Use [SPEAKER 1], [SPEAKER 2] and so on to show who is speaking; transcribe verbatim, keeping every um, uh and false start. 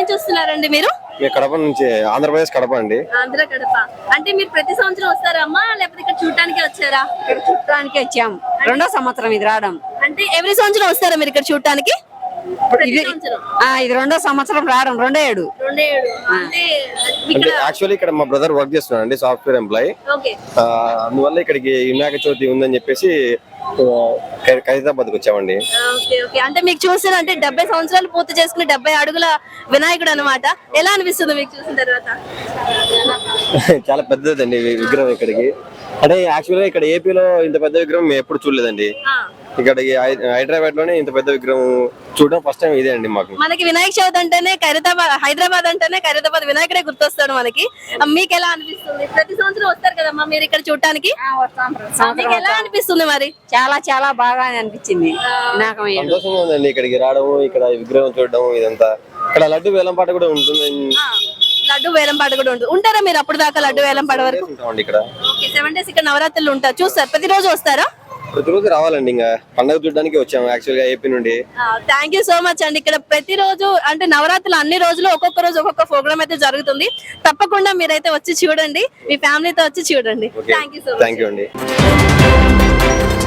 [SPEAKER 1] నుంచి వస్తున్నారండి మీరు?
[SPEAKER 2] కడప నుంచి, ఆంధ్రప్రదేశ్ కడప అండి.
[SPEAKER 1] ఆంధ్ర కడప. అంటే మీరు ప్రతి సంవత్సరం వస్తారా అమ్మా, లేకపోతే ఇక్కడ చూడటానికి వచ్చారా?
[SPEAKER 3] ఇక్కడ చూడటానికి వచ్చాము, రెండో సంవత్సరం ఇది రావడం.
[SPEAKER 1] అంటే ఎవ్రీ సంవత్సరం వస్తారా మీరు ఇక్కడ చూడటానికి?
[SPEAKER 3] ఇది ఇది రెండో సంవత్సరం రావడం, రెండో ఏడు.
[SPEAKER 1] రెండో ఏడు. అంటే
[SPEAKER 2] అంటే యాక్చువల్లీ ఇక్కడ మా బ్రదర్ వర్క్ చేస్తున్నాడు అండి, సాఫ్ట్వేర్ ఎంప్లాయ్.
[SPEAKER 1] ఓకే.
[SPEAKER 2] అందువల్ల ఇక్కడికి వినాయక చవితి ఉందని చెప్పేసి ఖైరతాబాద్ వచ్చామండి.
[SPEAKER 1] Okay okay. అంటే మీకు చూసిన అంటే డెబ్బై సంవత్సరాలు పూర్తి చేసుకుని డెబ్బై అడుగుల వినాయకుడు అనమాట. ఎలా అనిపిస్తుంది మీకు చూసిన తర్వాత?
[SPEAKER 2] చాలా పెద్దదండి విగ్రహం ఇక్కడికి. అంటే యాక్చువల్గా ఇక్కడ ఏపీలో ఇంత పెద్ద విగ్రహం మేము ఎప్పుడు చూడలేదండి. ఇక్కడ హైదరాబాద్ లోనే ఇంత పెద్ద విగ్రహం చూడడం ఫస్ట్ టైం ఇదే అండి మాకు.
[SPEAKER 1] మనకి వినాయక చవితి అంటేనే ఖైరతాబాద్, హైదరాబాద్ అంటేనే ఖైరతాబాద్ వినాయకుడే గుర్తొస్తాడు మనకి. మీకు ఎలా అనిపిస్తుంది? ప్రతి సంవత్సరం వస్తారు కదమ్మా మీరు ఇక్కడ చూడటానికి, మీకు ఎలా అనిపిస్తుంది మరి?
[SPEAKER 3] చాలా చాలా బాగా అనిపించింది, నాకు
[SPEAKER 2] సంతోషంగా ఉందండి ఇక్కడికి రావడం, ఇక్కడ విగ్రహం చూడడం. ఇదంతా ఇక్కడ లడ్డు వేలంపాట కూడా ఉంటుంది.
[SPEAKER 1] లడ్డు వేలంపాట కూడా ఉంటుంది. ఉంటారా మీరు అప్పుడు దాకా లడ్డు వేలంపాట వరకు?
[SPEAKER 2] ఇక్కడ
[SPEAKER 1] సెవెన్ డేస్ ఇక్కడ నవరాత్రులు ఉంటారు. చూస్తారు ప్రతిరోజు వస్తారా?
[SPEAKER 2] ప్రతిరోజు రావాలండి, ఇంకా పండుగ చూడడానికి వచ్చాము యాక్చువల్ గా ఏపీ నుండి.
[SPEAKER 1] థ్యాంక్ యూ సో మచ్ అండి. ఇక్కడ ప్రతిరోజు అంటే నవరాత్రులు అన్ని రోజులు ఒక్కొక్క రోజు ఒక్కొక్క ప్రోగ్రామ్ అయితే జరుగుతుంది. తప్పకుండా మీరైతే వచ్చి చూడండి, మీ ఫ్యామిలీతో వచ్చి చూడండి. Thank you so much.
[SPEAKER 2] Thank you అండి.